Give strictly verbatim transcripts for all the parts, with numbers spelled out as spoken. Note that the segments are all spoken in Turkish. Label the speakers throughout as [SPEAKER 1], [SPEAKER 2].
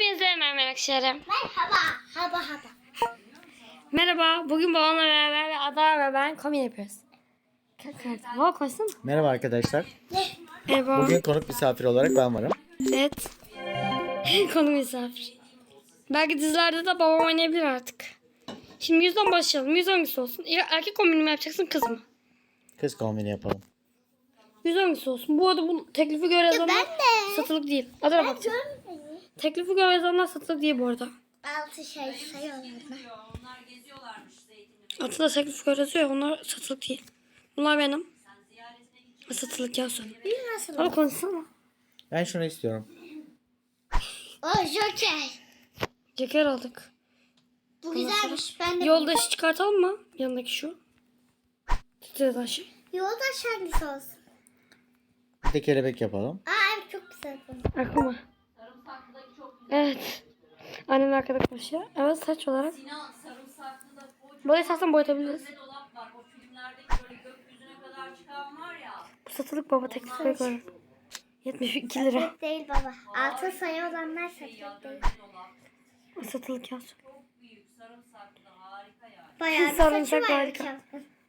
[SPEAKER 1] Hepinize merhaba arkadaşlarım.
[SPEAKER 2] Merhaba. Haba haba.
[SPEAKER 1] Merhaba. Bugün babamla beraber ve Ada ve ben komik yapıyoruz. Baba koysana.
[SPEAKER 3] Merhaba arkadaşlar.
[SPEAKER 1] Merhaba.
[SPEAKER 3] Bugün konuk misafir olarak ben varım.
[SPEAKER 1] Evet. Konu misafir. Belki dizilerde de babam oynayabilir artık. Şimdi yüzden başlayalım. Yüz hangisi olsun? Ya erkek kombini mi yapacaksın kız mı?
[SPEAKER 3] Kız kombini yapalım.
[SPEAKER 1] Yüz hangisi olsun? Bu arada bu teklifi göre yazanlar
[SPEAKER 2] ben de.
[SPEAKER 1] satılık değil. Adana bakacağım. Teklifi göre yazanlar satılık değil bu arada.
[SPEAKER 2] Altı şey sayıyorlar mı?
[SPEAKER 1] Atilla teklif göre yazıyor ya, onlar satılık değil. Bunlar benim. Satılık yazsın.
[SPEAKER 2] Bir nasıl?
[SPEAKER 1] Ama konuşsana.
[SPEAKER 3] Ben şunu istiyorum.
[SPEAKER 2] O Joker.
[SPEAKER 1] Ceker aldık.
[SPEAKER 2] Bu güzelmiş. Ben de.
[SPEAKER 1] Yoldaşı çıkartalım mı? Yanındaki şu. Titreden şey.
[SPEAKER 2] Yoldaş hangisi olsun?
[SPEAKER 3] Bir de kelebek yapalım.
[SPEAKER 2] Aa evet çok güzel bu.
[SPEAKER 1] Aklıma. Evet. Annem arkada konuşuyor. Evet saç olarak. Burayı istersen boyatabiliriz. Bu satılık baba teklife göre. yetmiş iki lira.
[SPEAKER 2] Satılık değil baba. Altı sayı olanlar satılık değil.
[SPEAKER 1] O satılık yaz.
[SPEAKER 2] Bayağı bir
[SPEAKER 1] Sarımsak
[SPEAKER 2] saçı var.
[SPEAKER 1] harika.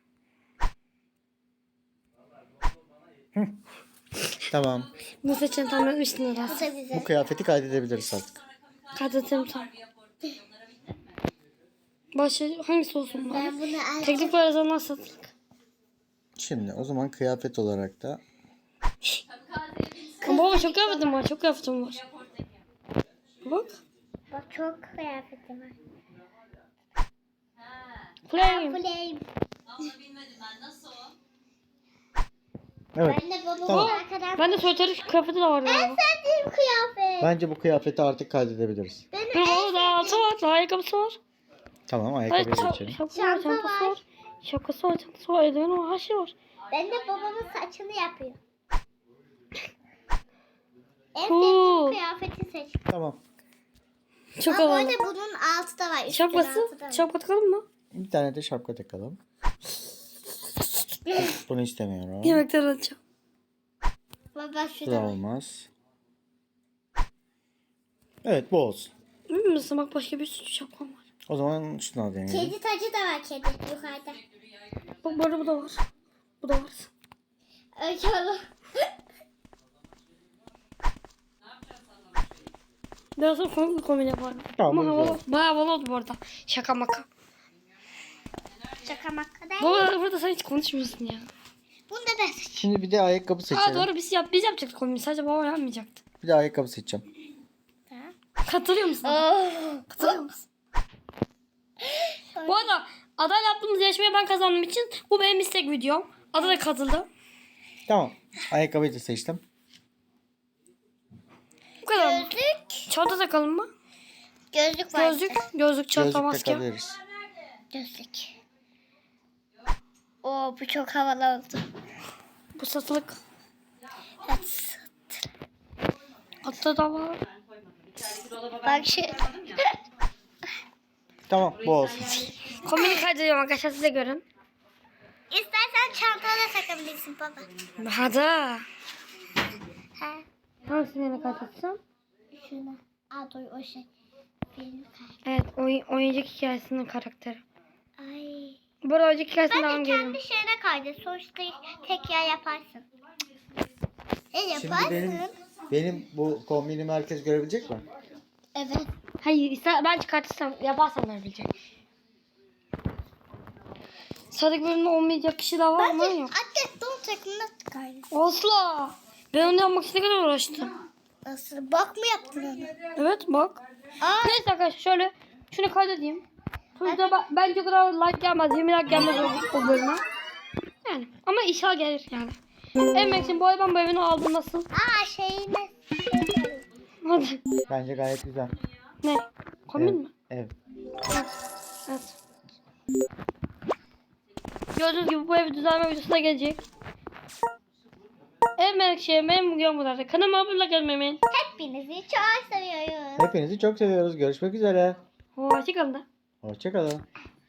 [SPEAKER 3] Tamam.
[SPEAKER 1] Bu saçını tam etmiştin
[SPEAKER 2] Bu
[SPEAKER 1] herhalde.
[SPEAKER 2] da güzel.
[SPEAKER 3] Bu kıyafeti kaydedebiliriz artık.
[SPEAKER 1] Kaydettim tam. Başka hangisi olsun bari?
[SPEAKER 2] Ben bunu alacağım.
[SPEAKER 1] Teklif var yazanlar satılık.
[SPEAKER 3] Şimdi o zaman kıyafet olarak da
[SPEAKER 1] Ama baba çok kıyafetim var. Çok kıyafetim var. Bak.
[SPEAKER 2] Bak çok kıyafetim var.
[SPEAKER 1] Flame.
[SPEAKER 2] Flame.
[SPEAKER 3] evet.
[SPEAKER 2] Ben de babamın
[SPEAKER 3] Tamam.
[SPEAKER 2] arkadan.
[SPEAKER 1] Ben de soytarı kıyafeti de var
[SPEAKER 2] En
[SPEAKER 1] galiba.
[SPEAKER 2] sevdiğim kıyafet.
[SPEAKER 3] Bence bu kıyafeti artık kaydedebiliriz.
[SPEAKER 2] Benim
[SPEAKER 1] Dur
[SPEAKER 2] en
[SPEAKER 1] baba daha altı var. Daha ayakkabısı var.
[SPEAKER 3] Tamam,
[SPEAKER 1] Hayır,
[SPEAKER 3] ayakkabıya
[SPEAKER 1] ça-
[SPEAKER 3] geçelim.
[SPEAKER 1] şapkası var,
[SPEAKER 2] Çanta
[SPEAKER 1] çantası
[SPEAKER 2] var.
[SPEAKER 1] var. Şapkası var, çantası var, eldiveni var, her şey var.
[SPEAKER 2] Ben de babamın saçını yapıyorum. En
[SPEAKER 1] Cool.
[SPEAKER 2] sevdiğim kıyafeti seç.
[SPEAKER 3] Tamam.
[SPEAKER 1] Çok
[SPEAKER 2] Ama bu
[SPEAKER 1] havalı.
[SPEAKER 2] arada bunun altı da var. üstün
[SPEAKER 1] Şapkası,
[SPEAKER 2] altı da var.
[SPEAKER 1] şapka takalım mı?
[SPEAKER 3] Bir tane de şapka takalım. Bunu istemiyorum.
[SPEAKER 1] Yemekten alacağım.
[SPEAKER 2] Baba şu
[SPEAKER 3] Bu
[SPEAKER 2] da
[SPEAKER 3] da
[SPEAKER 2] var.
[SPEAKER 3] olmaz. Evet, bu olsun.
[SPEAKER 1] Emin misin? Bak başka bir sürü şapkam var.
[SPEAKER 3] O zaman şunu al deneyelim.
[SPEAKER 2] Kedi tacı da var kedi yukarıda.
[SPEAKER 1] Bak bu arada bu da var. Bu da var.
[SPEAKER 2] Öyle olur.
[SPEAKER 1] Biraz sonra komik bir kombin yaparım.
[SPEAKER 3] Tamam,
[SPEAKER 1] Ama
[SPEAKER 3] bu
[SPEAKER 1] havalı.
[SPEAKER 3] güzel.
[SPEAKER 1] Bayağı havalı oldu bu arada. Şaka maka.
[SPEAKER 2] Şaka maka değil.
[SPEAKER 1] Baba burada sen hiç konuşmuyorsun ya.
[SPEAKER 2] Bunu da ben seçeyim.
[SPEAKER 3] Şimdi bir de ayakkabı
[SPEAKER 1] Aa
[SPEAKER 3] seçelim.
[SPEAKER 1] doğru biz yap biz yapacaktık kombini. Sadece baba yapmayacaktı.
[SPEAKER 3] Bir de ayakkabı seçeceğim.
[SPEAKER 1] Katılıyor musun? Katılıyor musun? Bu arada adayla yaptığımız yarışmaya ben kazandığım için bu benim istek videom. Ada da katıldı.
[SPEAKER 3] Tamam. Ayakkabıyı da seçtim.
[SPEAKER 1] Bu kadar mı?
[SPEAKER 2] Gözlük.
[SPEAKER 1] Çanta takalım mı?
[SPEAKER 2] Gözlük var.
[SPEAKER 1] Gözlük, gözlük, çanta,
[SPEAKER 3] Gözlük
[SPEAKER 1] maske.
[SPEAKER 3] takabiliriz.
[SPEAKER 2] Gözlük. Oo bu çok havalı oldu.
[SPEAKER 1] Bu satılık.
[SPEAKER 2] Evet.
[SPEAKER 1] Atta da var.
[SPEAKER 2] Bak şu.
[SPEAKER 3] Tamam, bu olsun.
[SPEAKER 1] Kombini kaydediyorum arkadaşlar, size görün.
[SPEAKER 2] İstersen çantana da takabilirsin baba.
[SPEAKER 1] Hadi.
[SPEAKER 2] Ha.
[SPEAKER 1] Hangisini yine kaydedeceğim?
[SPEAKER 2] Şuna. Aa dur o şey. Film kay.
[SPEAKER 1] Evet, oyun, oyuncak hikayesinin karakteri.
[SPEAKER 2] Ay.
[SPEAKER 1] Bu arada oyuncak hikayesine devam
[SPEAKER 2] Ben de
[SPEAKER 1] geliyorum.
[SPEAKER 2] kendi şeyine kaydet. Sonuçta tek yer yaparsın. E
[SPEAKER 3] Şimdi
[SPEAKER 2] yaparsın.
[SPEAKER 3] benim benim bu kombinimi herkes görebilecek mi?
[SPEAKER 2] Evet.
[SPEAKER 1] Hayır, ister, ben çıkartırsam, yaparsam görebilecek. Sıradaki bölümde olmayacak kişi daha var ama
[SPEAKER 2] Bence
[SPEAKER 1] yok.
[SPEAKER 2] atlet don takımına kaydet.
[SPEAKER 1] Asla. Ben onu yapmak için ne kadar uğraştım.
[SPEAKER 2] Nasıl? Bak mı yaptın onu?
[SPEAKER 1] Evet bak.
[SPEAKER 2] Aa.
[SPEAKER 1] Neyse arkadaşlar şöyle şunu kaydedeyim. Sonuçta ben, bence o kadar like gelmez. yirmi like gelmez o, o bölüme. Yani ama inşallah gelir yani. Emmek için bu ay ben bu evini aldım nasıl?
[SPEAKER 2] Aa şeyine.
[SPEAKER 1] Hadi.
[SPEAKER 3] Bence gayet güzel.
[SPEAKER 1] Ne? Kombin
[SPEAKER 3] Evet.
[SPEAKER 1] mi?
[SPEAKER 3] Evet.
[SPEAKER 1] Evet. Gördüğünüz gibi bu ev düzenleme videosu da gelecek. Evet Melekşehir benim bugün bu kadar. Kanalıma abone olmayı.
[SPEAKER 2] Hepinizi çok seviyoruz.
[SPEAKER 3] Hepinizi çok seviyoruz. Görüşmek üzere.
[SPEAKER 1] Hoşçakalın da.
[SPEAKER 3] Hoşçakalın.